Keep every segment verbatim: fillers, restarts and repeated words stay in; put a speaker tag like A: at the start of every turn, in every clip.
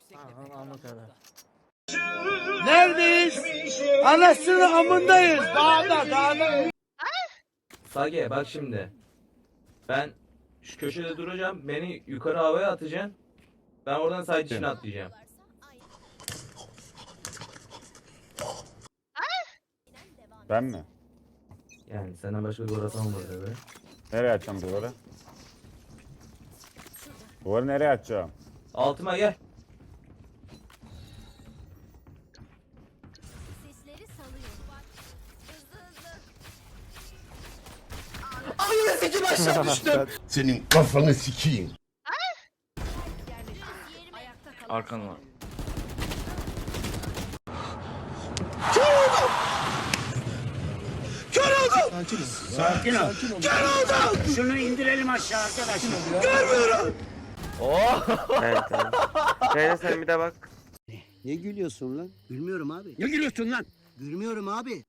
A: Anı kadar.
B: Neredeyiz? Anasının amındayız. Dağda, dağda.
C: Sage bak şimdi. Ben şu köşede duracağım. Beni yukarı havaya atacaksın. Ben oradan side içine atlayacağım.
D: Ben mi?
C: Yani senden başka bir orası olmadı tabii.
D: Nereye açacağım duvarı? Duvarı nereye açacağım?
C: Altıma gel.
E: Sesleri salıyor. Hızlı hızlı.
B: Ananı sikim aşağı düştüm.
F: Senin kafanı sikeyim.
E: Ayakta kalan
A: Arkan var.
B: Kör oldum. Sakin ol. Kör oldum. Şunu indirelim aşağı arkadaşlar. Görmüyorum.
G: Evet evet. Şöyle sen bir de bak.
H: Ne gülüyorsun lan? Gülmüyorum abi.
B: Ne gülüyorsun lan?
H: Gülmüyorum abi.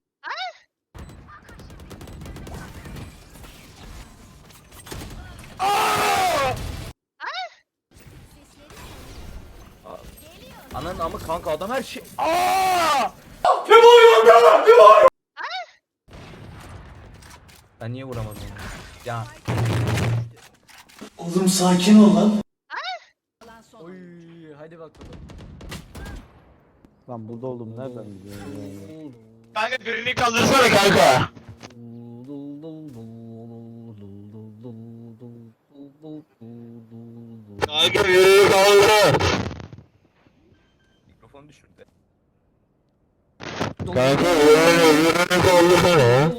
A: Ananın amı kanka adam her şey. Ben niye vuramadım onu? Ya.
B: Oğlum sakin ol lan.
E: son.
A: Oy hadi bakalım.
H: Lan burada oldum nereden biliyorsun?
B: Kanka birini kaldırsana kanka. Kanka birini kaldır.
A: Mikrofonu düşürdü.
B: Kanka birini kaldırsana.